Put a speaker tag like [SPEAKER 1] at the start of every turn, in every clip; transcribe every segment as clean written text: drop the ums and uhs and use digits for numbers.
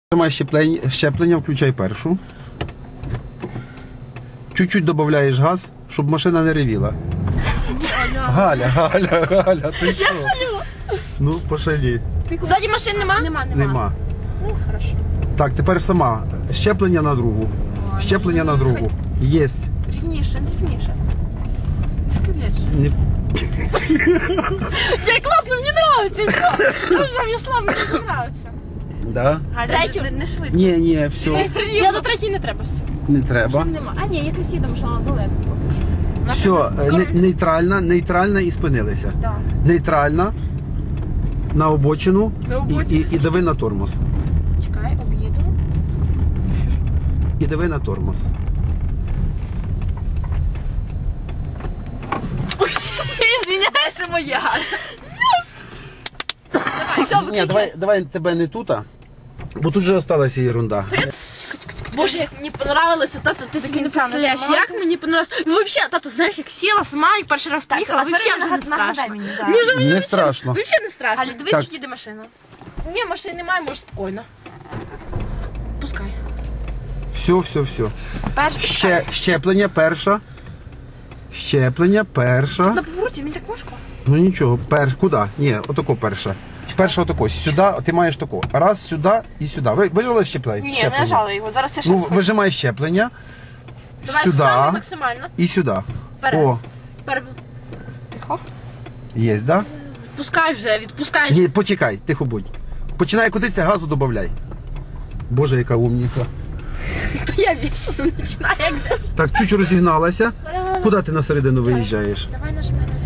[SPEAKER 1] Нажимай щеплення, включай першу. Чуть-чуть додаєш газ, щоб машина не ревіла. Галя, ти що?
[SPEAKER 2] Я шалю.
[SPEAKER 1] Ну, пошалі.
[SPEAKER 2] Ззаді машин нема?
[SPEAKER 1] Нема.
[SPEAKER 2] Ну, хорошо.
[SPEAKER 1] Так, тепер сама. Щеплення на другу. Щеплення на другу. Єсть.
[SPEAKER 2] Рівніше.
[SPEAKER 1] Не...
[SPEAKER 2] Як класно, мені подобається. Дуже в'ясла, мені дуже подобається.
[SPEAKER 1] Да?
[SPEAKER 2] Третю? Не швидко.
[SPEAKER 1] Ні, все.
[SPEAKER 2] Я до третій не треба все.
[SPEAKER 1] Не треба.
[SPEAKER 2] Нема. А ні, якась їдемо, що вона далеко поки
[SPEAKER 1] Все, нейтральна і спинилися.
[SPEAKER 2] Так.
[SPEAKER 1] Нейтральна, на обочину і дави на тормоз.
[SPEAKER 2] Чекай, об'їду.
[SPEAKER 1] І дави на тормоз.
[SPEAKER 2] Извиняй, що моя. Давай, все,
[SPEAKER 1] Ні,
[SPEAKER 2] виключай.
[SPEAKER 1] давай тебе не тут, бо тут вже осталася ерунда.
[SPEAKER 2] Боже, як мені понравилося, тато, ти собі не представляєш, як мені понравилося. Ну, взагалі, тато, знаєш, як сіла сама і перший раз поїхала, взагалі вже не страшно.
[SPEAKER 1] Не страшно.
[SPEAKER 2] Взагалі не страшно. Галя, дивись,
[SPEAKER 1] Так.
[SPEAKER 2] чи їде машина. Ні, машини немає, може спокійно. Пускай.
[SPEAKER 1] Все. Щеплення перша.
[SPEAKER 2] На повороті, мені так важко.
[SPEAKER 1] Ну нічого, куди? Ні, отако перша. Перша отако. Сюди, ти маєш тако. Раз, сюди і сюди. Вижила щеплення?
[SPEAKER 2] Ні, не нажала його, зараз я ще.
[SPEAKER 1] Ну, вижимай щеплення.
[SPEAKER 2] Давай
[SPEAKER 1] Сюди
[SPEAKER 2] саме максимально.
[SPEAKER 1] і сюди.
[SPEAKER 2] Вперед.
[SPEAKER 1] О,
[SPEAKER 2] Тихо.
[SPEAKER 1] є, да?
[SPEAKER 2] Відпускай вже, відпускай.
[SPEAKER 1] Ні, почекай, тихо будь. Починає котитися, газу додай. Боже, яка умниця.
[SPEAKER 2] То я вічно починаю як десь.
[SPEAKER 1] Так, чуть розігналася. Куди ти на середину виїжджаєш?
[SPEAKER 2] Давай нажимай раз.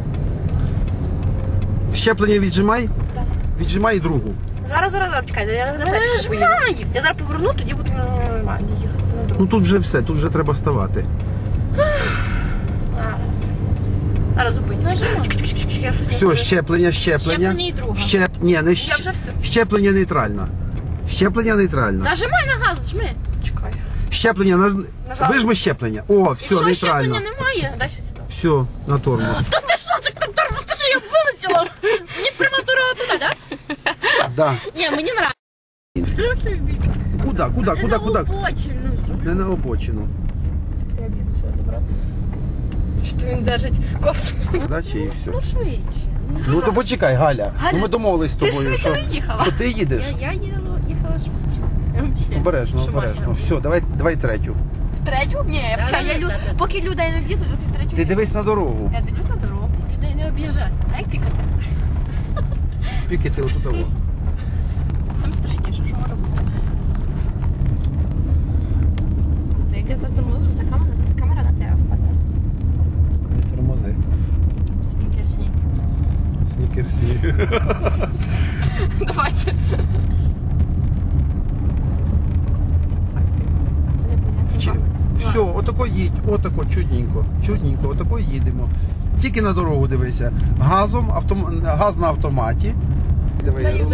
[SPEAKER 1] Щеплення віджимай.
[SPEAKER 2] Так.
[SPEAKER 1] Віджимай другу.
[SPEAKER 2] Зараз, чекай, я зараз перше поїду. Я зараз поверну, тоді буду нормально їхати на
[SPEAKER 1] Ну
[SPEAKER 2] дорогу.
[SPEAKER 1] тут вже все, тут вже треба ставати.
[SPEAKER 2] Зараз зупиню. Я щось
[SPEAKER 1] Все, щеплення.
[SPEAKER 2] Щеплення і друга.
[SPEAKER 1] Ні, не
[SPEAKER 2] Я вже все.
[SPEAKER 1] щеплення нейтральна. Щеплення нейтральна.
[SPEAKER 2] Нажимай на газ, жми. Чекай.
[SPEAKER 1] Щеплення,
[SPEAKER 2] Нажала.
[SPEAKER 1] вижми щеплення. О, все,
[SPEAKER 2] Якщо
[SPEAKER 1] нейтрально.
[SPEAKER 2] щеплення немає, дай ще сюди.
[SPEAKER 1] Все, на тормоз.
[SPEAKER 2] Та ти що, так на тормоз, ти що, я вилетіла? Мені прямо дорога туди, так?
[SPEAKER 1] Да.
[SPEAKER 2] Ні, мені нравиться.
[SPEAKER 1] Куди?
[SPEAKER 2] На обочину.
[SPEAKER 1] Не на обочину.
[SPEAKER 2] Я б'ю, все, добре. Що він держить кофту?
[SPEAKER 1] Дачі і все.
[SPEAKER 2] Ну, швидше.
[SPEAKER 1] Ну то почекай, Галя.
[SPEAKER 2] Галя,
[SPEAKER 1] Ну ми домовились з
[SPEAKER 2] ти
[SPEAKER 1] тобою,
[SPEAKER 2] швидше
[SPEAKER 1] що,
[SPEAKER 2] не їхала.
[SPEAKER 1] що ти їдеш.
[SPEAKER 2] Я їхала швидше. Вообще.
[SPEAKER 1] Обережно. Все, давай третю.
[SPEAKER 2] В третю? Ні, поки людей не в'їдуть, то в третю.
[SPEAKER 1] Ти дивись на дорогу.
[SPEAKER 2] Я дивлюсь на дорогу. Людей не об'їжджай. А як пікати?
[SPEAKER 1] Пікати отут того.
[SPEAKER 2] Саме страшніше, що може бути. Ти як я затормозу, та камера на тебе впаде.
[SPEAKER 1] Не тормози.
[SPEAKER 2] Снікерсні.
[SPEAKER 1] Снікерсі.
[SPEAKER 2] Давайте. Це непонятно.
[SPEAKER 1] Все, отако їдь, отако, чудненько, отако їдемо. Тільки на дорогу дивися. Газ на автоматі.
[SPEAKER 2] Даю.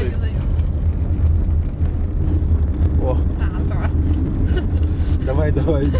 [SPEAKER 1] О,
[SPEAKER 2] Так.
[SPEAKER 1] давай.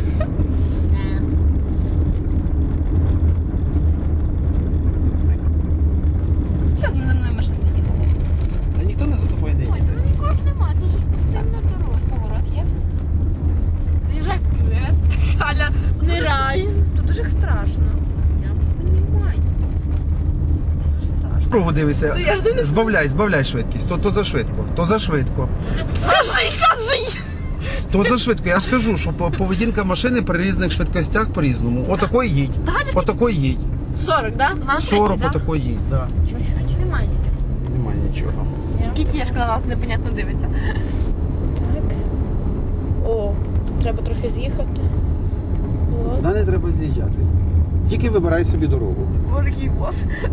[SPEAKER 2] Зараз за мною машина не їхала.
[SPEAKER 1] Та ніхто не за тобою не
[SPEAKER 2] Ой,
[SPEAKER 1] їде.
[SPEAKER 2] ну нікого ж немає, тут же ж пустинна дорога. Ось поворот є. Заїжджай в кювет. Галя, нирай. Тут дуже страшно. Я понимаю. Дуже страшно.
[SPEAKER 1] Дорогу дивися.
[SPEAKER 2] То я ж дивлюсь.
[SPEAKER 1] Збавляй швидкість. То за швидко.
[SPEAKER 2] Кажи!
[SPEAKER 1] То за швидко. Я ж кажу, що поведінка машини при різних швидкостях по-різному. Отако їдь. Отако їдь.
[SPEAKER 2] 40, да?
[SPEAKER 1] 40 отако їдь, да.
[SPEAKER 2] Чуть-чуть, немає нічого.
[SPEAKER 1] Немає нічого.
[SPEAKER 2] Тільки кішка на нас непонятно дивиться. Так. О, тут треба трохи з'їхати.
[SPEAKER 1] Туди не треба з'їжджати. Тільки вибирай собі дорогу.
[SPEAKER 2] Великий бос.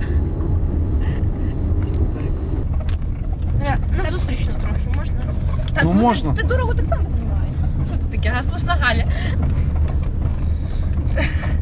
[SPEAKER 2] На зустрічну трохи можна?
[SPEAKER 1] Ну, можна.
[SPEAKER 2] Ти дорогу так само знімаєш. Що тут таке? Газпусна Галя.